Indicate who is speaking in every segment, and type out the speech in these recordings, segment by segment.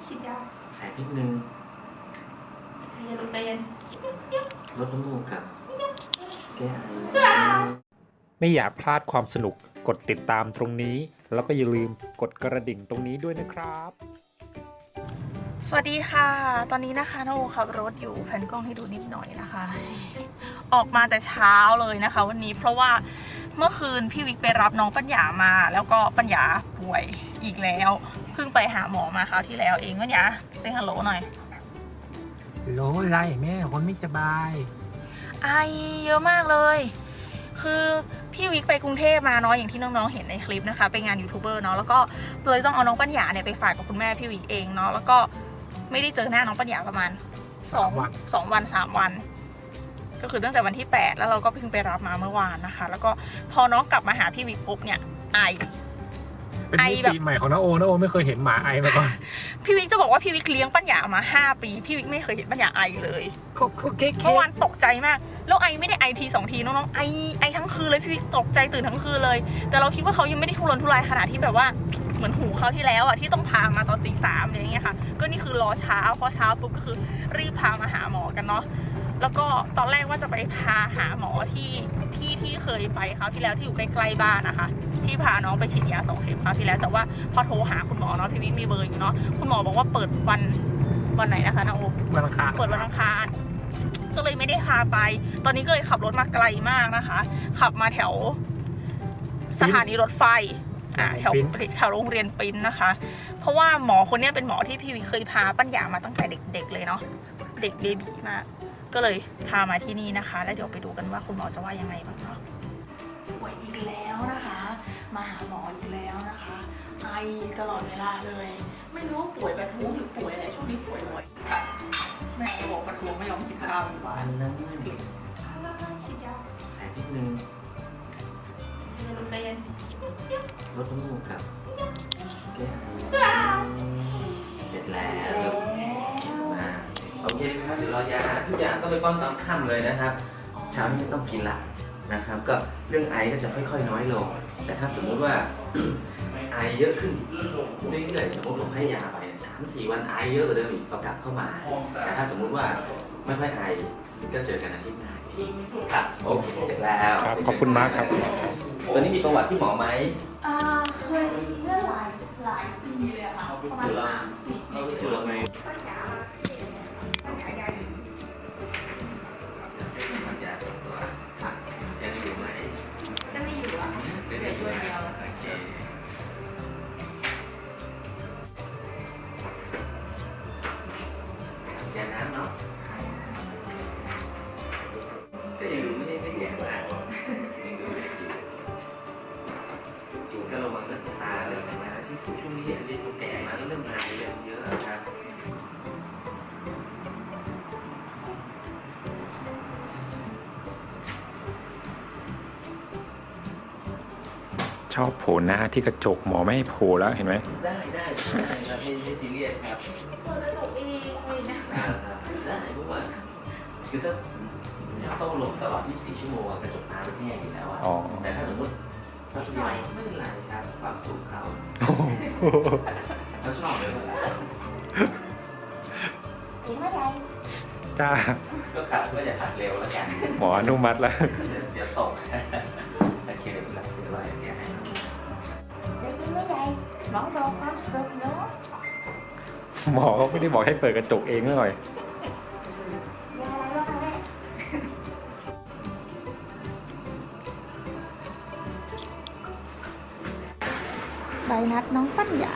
Speaker 1: ฉีดยา
Speaker 2: แสบนิดนึง
Speaker 1: ใจเย็นลูกใจเย็น
Speaker 2: ลดน้ำมูกกับแก้ไอ
Speaker 3: ไม่อยากพลาดความสนุกกดติดตามตรงนี้แล้วก็อย่าลืมกดกระดิ่งตรงนี้ด้วยนะครับ
Speaker 1: สวัสดีค่ะตอนนี้นะคะน้าโอขับรถอยู่แผ่นกล้องให้ดูนิดหน่อยนะคะ ออกมาแต่เช้าเลยนะคะวันนี้เพราะว่าเมื่อคืนพี่วิกไปรับน้องปัญญามาแล้วก็ปัญญาป่วยอีกแล้วเพิ่งไปหาหมอมาคราวที่แล้วเองปัญญาเซ็นฮัลโหลหน่อย
Speaker 4: โหลอะไรแม่คนไม่สบาย
Speaker 1: ไอเยอะมากเลย คือพี่วิกไปกรุงเทพมาเนาะอย่างที่น้องๆเห็นในคลิปนะคะไปงานยูทูบเบอร์เนาะแล้วก็เลยต้องเอาน้องปัญญาเนี่ยไปฝากกับคุณแม่พี่วิกเองเนาะแล้วก็ไม่ได้เจอหน้าน้องปัญญาประมาณ2 วัน 3 วัน ก็คือตั้งแต่วันที่8แล้วเราก็เพิ่งไปรับมาเมื่อวานนะคะ แล้วก็พอน้องกลับมาหาพี่วิกปุ๊บเนี่ยไอ
Speaker 4: เป็นมิติใหม่ของน้าโอไม่เคยเห็นหมาไอมาก่อน
Speaker 1: พี่วิกจะบอกว่าพี่วิกเลี้ยงปัญญามา5 ปีพี่วิกไม่เคยเห็นปัญญาไอเลยเมื่อวานตกใจมากแล้วไอไม่ได้ไอที2 ทีน้องๆไอทั้งคืนเลยพี่วิกตกใจตื่นทั้งคืนเลยแต่เราคิดว่าเขายังไม่ได้ทุรนทุรายขนาดที่แบบว่าเหมือนหูเขาที่แล้วอ่ะที่ต้องพามาตอนตี 3อย่างเงี้ยค่ะก็นี่คือรอเช้าพอเช้าปุ๊บก็คือรีบพามาหาหมอกันเนาะแล้วก็ตอนแรกว่าจะไปพาหาหมอที่เคยไปคราวที่แล้วที่อยู่ใกล้ๆบ้านนะคะที่พาน้องไปฉีดยา2 เข็มคราวที่แล้วแต่ว่าพอโทรหาคุณหมอเนาะพี่วิกมีเบอร์อยู่เนาะคุณหมอบอกว่าเปิดวันไหนนะคะนะโอ
Speaker 4: วันอังคาร
Speaker 1: เปิดวันอังคารก็เลยไม่ได้พาไปตอนนี้ก็เลยขับรถมาไกลมากนะคะขับมาแถวสถานีรถไฟแถวโรงเรียนปิ้นนะคะเพราะว่าหมอคนนี้เป็นหมอที่พี่วิเคยพาปัญญามาตั้งแต่เด็กๆเลยเนาะเด็กเบบีมากก็เลยพามาที่นี่นะคะแล้วเดี๋ยวไปดูกันว่าคุณหมอจะว่ายังไงบ้างเนาะป่วยอีกแล้วนะคะมาหาหมออีกแล้วนะคะไอตลอดเวลาเลยไม่รู้ว่าป่วยประท้วงหรือป่วยอะไรช่วงนี้ป่วยบ่อยแม่บอกประท้วงไม่ยอมกินข้าวอยู่บ้า
Speaker 2: อั
Speaker 1: น
Speaker 2: นนั้นเด็ก
Speaker 1: ฉีดยา
Speaker 2: แสบนิดนึง
Speaker 1: ใจเย็น
Speaker 2: ลดน้ำมูกกับแก้ไอเสร็จแล้วมาโอเคครับเดี๋ยวรอยาทุกอย่างต้องไปป้อนตอนค่ำเลยนะครับเช้านี้ต้องกินละนะครับก็เรื่องไอก็จะค่อยๆน้อยลงแต่ถ้าสมมุติว่า ไอเยอะขึ้นเรื่อยๆสมมติผมให้ยาไป3-4 วันไอเยอะกว่าเดิมอีกก็กลับเข้ามาแต่ถ้าสมมุติว่าไม่ค่อยไอก็เจอกันอาทิตย์หน้าทีครับโอเคเสร็จแล้ว
Speaker 3: ครับขอบคุณมากครับ
Speaker 2: ตัวนี้มีประวัติที่หมอไหม
Speaker 1: เคยเมื่อหลายปีเลยค่ะประมาณ3 ปี
Speaker 2: จุลไมปัญญาตัวยังอยู่ไหม
Speaker 1: จะไม่อยู่อ่ะ
Speaker 2: เป็นได้ด้วยเดียวโอเคยาน้ำเนาะก็ยังดูไม่ได้แย่มากยังดูได้อยู่ก็ระวังเรื่องตาเลยนะที่สูงช่วงนี้อันนี้ตัวแก่มาแล้วเริ่มมาเยอะครับ
Speaker 3: ชอบโผล่หน้าที่กระจกหมอไม่ให้โผล่แล้วเห็นไหม
Speaker 2: ได้ครับไม่ซีเรียสครับ
Speaker 1: เปิดกระจกเองเลยนะ
Speaker 2: ได้เพราะว่าคือถ้าต้องลงตลอด 24 ชั่วโมงกระจกตาเป็นแห้งอยู่แล้วแต่ถ้าสมมติไม่เป็นไรครับความสูงเขาเขาชอบเลยเวลา
Speaker 1: เห็นไหมยาย
Speaker 3: จ้า
Speaker 2: ก็ขับก็อย่าขับเร็วแล้วกัน
Speaker 3: หมออนุมัติแล้ว
Speaker 2: เดี๋ยวตกโอเคเดี๋ยวหลับเดี๋ยวว่าแกให้
Speaker 1: ได้ยินไหมยายน้องรอความสุขเนาะ
Speaker 3: หมอเขาไม่ได้บอกให้เปิดกระจกเองหน่อย
Speaker 1: ยายอะไรบ้างแม่ใบนัดน้องปัญญา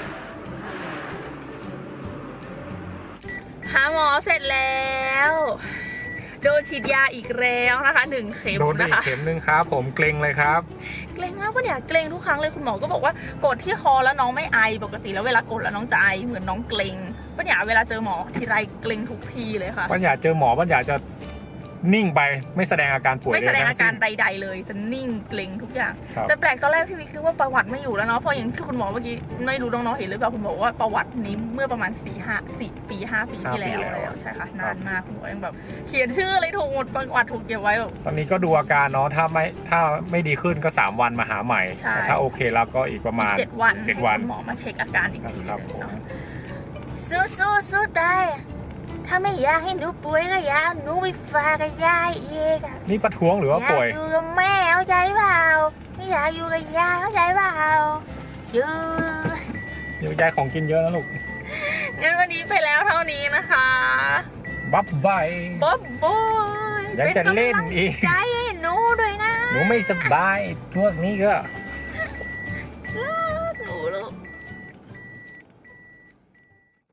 Speaker 1: หาหมอเสร็จแล้วโดนฉีดยาอีกแล้วนะคะ1 เข็ม
Speaker 4: โดนไป
Speaker 1: นะ
Speaker 4: อีก
Speaker 1: คะ
Speaker 4: เข็มนึงครับผมเกรงเลยครับ
Speaker 1: เกรงมากปะเนี่ยเกรงทุกครั้งเลยคุณหมอก็บอกว่ากดที่คอแล้วน้องไม่ไอปกติแล้วเวลากดแล้วน้องจะไอเหมือนน้องเกรงปะเนี่ยเวลาเจอหมอทีไรเกรงทุกทีเลยค่ะ
Speaker 4: ปัญญาเจอหมอปัญญาจะนิ่งไปไม่แสดงอาการป่วย
Speaker 1: ไม่แสดงอาการ
Speaker 4: ใด
Speaker 1: ใดๆเลยจะนิ่งเกร็งทุกอย่าง
Speaker 4: ครับ
Speaker 1: แต่แปลกตอนแรกพี่วิกนึกว่าประวัติไม่อยู่แล้วเนาะเพราะอย่างที่คุณหมอเมื่อกี้ไม่รู้น้องๆเห็นหรือเปล่าคุณบอกว่าประวัตินี้เมื่อประมาณ4 ปีที่แล้วใช่ค่ะนานมากคุณหมอยังแบบเขียนชื่ออะไรถูกหมดประวัติถูกเก็บไว้แบบ
Speaker 4: ตอนนี้ก็ดูอาการเนาะถ้าไม่ดีขึ้นก็3 วันมาหาใหม่
Speaker 1: ใช่
Speaker 4: แต่ถ้าโอเคแล้วก็อีกประมาณ
Speaker 1: 7 วัน
Speaker 4: 7 วัน
Speaker 1: ให้คุณหมอมาเช็คอาการอีกที
Speaker 4: ครับ
Speaker 1: นึงเนาะสู้ได้ถ้าไม่อยากให้หนูป่วยก็อย่าเอาหนูไปฝากกับยายอีกอะ
Speaker 4: นี่ประท้วงหรือว่าป่วย
Speaker 1: อยากอยู่กับแม่เข้าใจเปล่าไม่อยากอยู่กับยายเข้าใจเปล่าอยู่
Speaker 4: เดี๋ยวยายของกินเยอะนะลูก
Speaker 1: งั้นวันนี้ไปแล้วเท่านี้นะคะ
Speaker 4: บับใบ
Speaker 1: บ๊อบบ๊อย
Speaker 4: ยังจะเล่นอีก
Speaker 1: ใจให้หนูด้วยนะ
Speaker 4: หนูไม่สบายพวกนี้ก็